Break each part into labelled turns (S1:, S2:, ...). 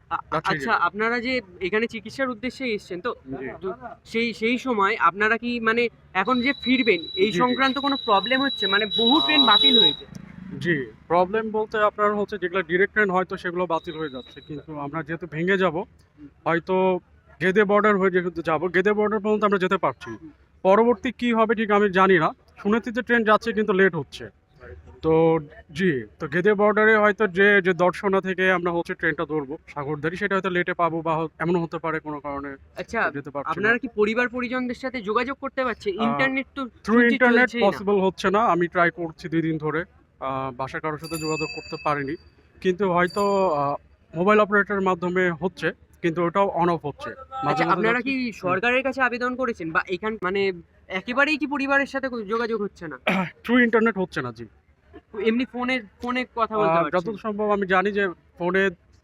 S1: আচ্ছা, আপনারা যে এখানে চিকিৎসার উদ্দেশ্যে এসেছেন তো,
S2: জি
S1: তো সেই সময় আপনারা কি মানে এখন যে ফিরবেন এই
S2: জি জি
S1: সংক্রান্ত কোনো প্রবলেম হচ্ছে? মানে বহু ট্রেন
S2: আহ,
S1: বাতিল হয়েছে।
S2: জি প্রবলেম বলতে আপনার হচ্ছে যেগুলো ডিরেক্ট ট্রেন হয়তো সেগুলো বাতিল হয়ে যাচ্ছে, কিন্তু আমরা যেহেতু ভেঙে যাব হয়তো গেদে বর্ডার হয়ে যেহেতু যাবো, গেদে বর্ডার পর্যন্ত আমরা যেতে পারছি। পরবর্তী কি হবে ঠিক আমি জানি না। শুনেছি যে ট্রেন যাচ্ছে কিন্তু লেট হচ্ছে। তো জি, তো গেদে বর্ডারে হয়তো যে যে দর্শনা থেকে আমরা হচ্ছে ট্রেনটা ধরবো সাগরদাঁড়ি, সেটা হয়তো লেটে পাবো বা এমনও হতে পারে কোনো কারণে
S1: আচ্ছা,
S2: যেতে পারছি না।
S1: আপনারা কি পরিবার পরিজনদের সাথে যোগাযোগ করতে পারছে? ইন্টারনেট তো
S2: থ্রু
S1: শুনছি
S2: ইন্টারনেট
S1: চলছেই না।
S2: পসিবল হচ্ছে না। আমি ট্রাই করছি 2 দিন ধরে। বাসায় কারোর সাথে যোগাযোগ করতে পারিনি। কিন্তু হয়তো মোবাইল অপারেটরের মাধ্যমে হচ্ছে, কিন্তু ওটাও অন অফ হচ্ছে। মাঝে,
S1: আচ্ছা,
S2: মাঝে
S1: আপনারা
S2: যাচ্ছে।
S1: কি
S2: হুম।
S1: সরকারের কাছে আবেদন করেছেন বা মানে একেবারেই কি পরিবারের সাথে যোগাযোগ হচ্ছে না?
S2: থ্রু ইন্টারনেট হচ্ছে না, জি।
S1: এমনি ফোনে কথা বলতে পারছেন?
S2: যতদূর সম্ভব আমি জানি যে ফোনে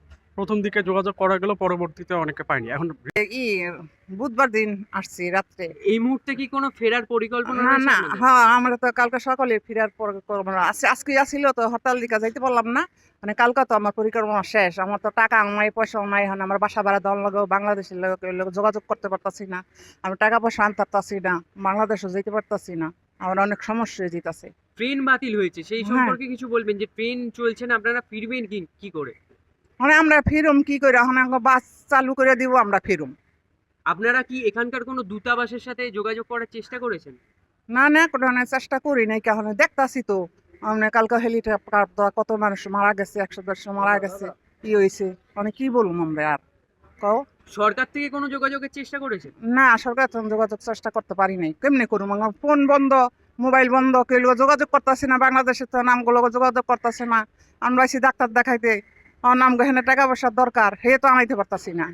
S2: ১ম দিকে যোগাযোগ করা গেলেও পরবর্তীতে অনেকে পায়নি। এখন
S3: ই বুধবার দিন আসছি রাত্রে।
S1: এই মুহূর্তে কি কোনো ফেরার পরিকল্পনা
S3: না
S1: রয়েছে
S3: না
S1: আপনাদের?
S3: হ্যাঁ, আমরা তো কালকে সকালে ফেরার পরিকল্পনা আছে। আজকে আসছিল তো হরতাল দিকে যাইতে পারলাম না। মানে কালকে তো আমার পরিকল্পনা শেষ। আমার তো টাকা নাই, পয়সাও নাই। এখন আমার বাসা ভাড়া দেওয়ার লাগেও বাংলাদেশের লোক যোগাযোগ করতে পারতাছি না। আমি টাকা পয়সা আনতে পারতাছি না, বাংলাদেশও যেতে পারতাছি না। আমার অনেক সমস্যা হয়ে যেতেছে।
S1: ট্রেন বাতিল হয়েছে সেই
S3: হ্যাঁ,
S1: সম্পর্কে কিছু বলবেন যে ট্রেন চলছে না, আপনারা ফিরবেন কি কি করে?
S3: মানে আমরা ফিরুম কি করে? এখন আমাকে বাস চালু করে দিব, আমরা ফিরুম।
S1: আপনারা কি এখানকার কোনো দূতাবাসের সাথে যোগাযোগ করার চেষ্টা করেছেন?
S3: না না, কোনো চেষ্টা করি নাই। কারণ দেখতাছি তো আমরা কালকে হেলিকপ্টার কত মানুষ মারা গেছে, 100-150 মারা গেছে, কি হয়েছে, মানে কি বলবো আমরা আর কও।
S1: সরকার থেকে কোনো যোগাযোগের চেষ্টা করেছেন?
S3: না, সরকার তো যোগাযোগ চেষ্টা করতে পারি নাই। কেমনে করবো? আমার ফোন বন্ধ, মোবাইল বন্ধ, কেউ যোগাযোগ করতেছি না। বাংলাদেশে তো নামগুলো যোগাযোগ করতেছে না। আমরা আইছি ডাক্তার দেখাইতে, আমার নাম গহনে টাকা পয়সার দরকার, হে তো আনাইতে পারতাছি না।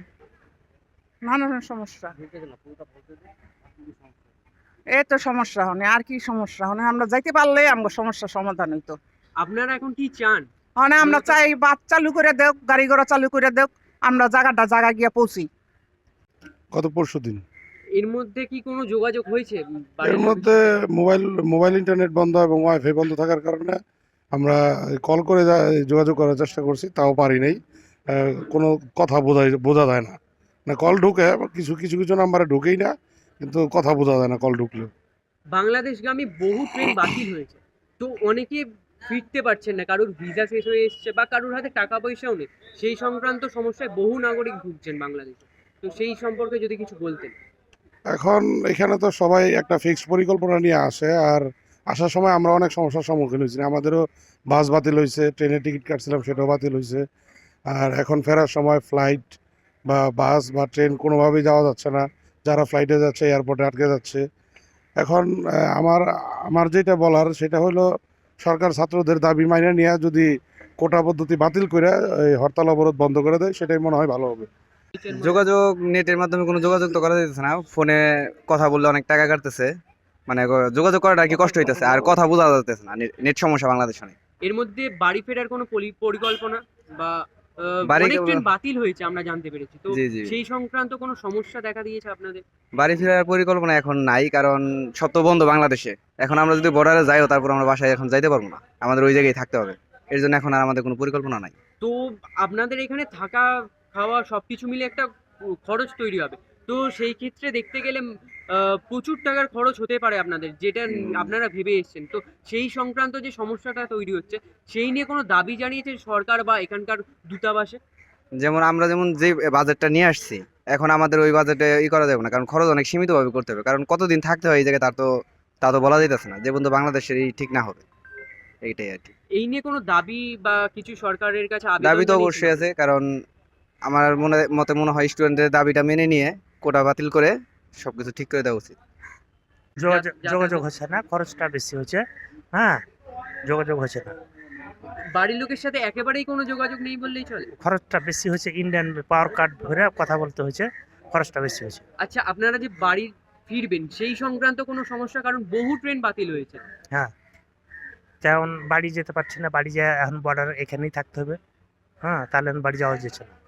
S3: নানান সমস্যা, এই তো সমস্যা হনে আর কি সমস্যা হনে। আমরা যাইতে পারলে আমার সমস্যার সমাধান হইতো।
S1: আপনারা এখন কি চান
S3: মানে আমরা
S1: মূলত?
S3: চাই বাস চালু করে দেও, গাড়ি ঘোড়া চালু করে দেও, আমরা জায়গা গিয়া পৌঁছি।
S4: গত পরশুদিন।
S1: এর মধ্যে কি কোনো যোগাযোগ হয়েছে
S4: এর
S1: বাড়ির লোকের
S4: মধ্যে
S1: সাথে?
S4: মোবাইল ইন্টারনেট বন্ধ এবং ওয়াইফাই বন্ধ থাকার কারণে আমরা কল করে যোগাযোগ করার চেষ্টা করছি, তাও পারি নাই। কোনো কথা বোঝা যায় না। না কল ঢুকে, কিছু কিছু কিছু নাম্বারে ঢুকেই না, কিন্তু কথা বোঝা যায় না কল ঢুকলেও।
S1: বাংলাদেশগামী বহু ট্রেন বাতিল হয়েছে, তো অনেকে ফিরতে পারছেন না, কারোর ভিসা শেষ হয়ে এসছে বা কারোর হাতে টাকা পয়সাও নেই। সেই সংক্রান্ত সমস্যায় বহু নাগরিক ভুগছেন বাংলাদেশে। তো সেই সম্পর্কে যদি কিছু বলতেন।
S4: এখন এখানে তো সবাই একটা ফিক্সড পরিকল্পনা নিয়ে আসে, আর আসার সময় আমরা অনেক সমস্যার সম্মুখীন হয়েছি। আমাদেরও বাস বাতিল হয়েছে, ট্রেনের টিকিট কাটছিলাম সেটাও বাতিল হয়েছে। আর এখন ফেরার সময় ফ্লাইট বা বাস বা ট্রেন কোনোভাবেই যাওয়া যাচ্ছে না। যারা ফ্লাইটে যাচ্ছে এয়ারপোর্টে আটকে যাচ্ছে। এখন আমার আমার যেটা বলার সেটা হলো, সরকার ছাত্রদের দাবি মাইনে নিয়ে যদি কোটা পদ্ধতি বাতিল করে এই হরতাল অবরোধ বন্ধ করে দেয়, সেটাই মনে হয় ভালো হবে।
S5: যোগাযোগ নেটের মাধ্যমে কোনো যোগাযোগ তো করা যাইতেছে না। ফোনে কথা বললে অনেক টাকা কাটতেছে, মানে যোগাযোগ করাটা আর কি কষ্ট হইতেছে, আর কথা বোঝা যাইতেছে না। নেট সমস্যা বাংলাদেশে অনেক।
S1: এর মধ্যে বাড়ি ফেরার কোনো পরিকল্পনা বা
S5: বাড়ি
S1: অনেক ট্রেন বাতিল হয়েছে আমরা জানতে পেরেছি, তো
S5: জি জি,
S1: সেই সংক্রান্ত কোনো সমস্যা দেখা দিয়েছে আপনাদের?
S5: বাড়ি ফেরার পরিকল্পনা এখন নাই, কারণ সব তো বন্ধ বাংলাদেশে। এখন আমরা যদি বর্ডারে যাইও, তারপর আমরা বাসায় এখন যাইতে পারবো না, আমাদের ওই জায়গায় থাকতে হবে। এর জন্য এখন আর আমাদের কোনো পরিকল্পনা নাই।
S1: তো আপনাদের এখানে থাকা খাওয়া সবকিছু মিলে একটা খরচ তৈরি হবে। তো সেই ক্ষেত্রে দেখতে গেলে প্রচুর টাকার খরচ হতে পারে আপনাদের, যেটা আপনারা ভেবে এসেছেন। তো সেই সংক্রান্ত যে সমস্যাটা তৈরি হচ্ছে, সেই নিয়ে কোনো দাবি জানিয়েছে সরকার বা এখানকার দূতাবাসে?
S5: যেমন আমরা যেমন যে বাজেটটা নিয়ে আসছি, এখন আমাদের ওই বাজেটে করা যাবে না, কারণ খরচ অনেক সীমিতভাবে করতে হবে। কারণ কতদিন থাকতে হয় এই জায়গায়, তা তো বলা যাইতেছে না, যে বন্ধু বাংলাদেশের এই ঠিক না হবে। এইটাই আর কি।
S1: এই নিয়ে কোনো দাবি বা কিছু সরকারের কাছে আবেদন
S5: দাবি তো
S1: জানিয়েছেন
S5: অবশ্যই আছে,
S1: আপনারা?
S5: কারণ আমার মনে হয় স্টুডেন্টদের দাবিটা মেনে নিয়ে কোটা বাতিল করে সবকিছু ঠিক করে দেওয়া উচিত।
S6: যোগাযোগ হচ্ছে না, খরচটা বেশি হচ্ছে। হ্যাঁ, যোগাযোগ হচ্ছে না,
S1: বাড়ির লোকের সাথে একেবারেই কোনো যোগাযোগ নেই বললেই চলে?
S6: খরচটা বেশি হচ্ছে। ইন্ডিয়ান পাওয়ার কার্ড ধরে কথা বলতে হচ্ছে, খরচটা বেশি হচ্ছে।
S1: আচ্ছা, আপনারা যে বাড়ি ফিরবেন সেই সংক্রান্ত কোনো সমস্যা, কারণ বহু ট্রেন বাতিল হয়েছে।
S6: হ্যাঁ, তেমন বাড়ি যেতে পারছি না। বাড়ি যায় এখন বর্ডার এখানেই থাকতে হবে। হ্যাঁ, তাহলে বাড়ি যাওয়া যাচ্ছে না।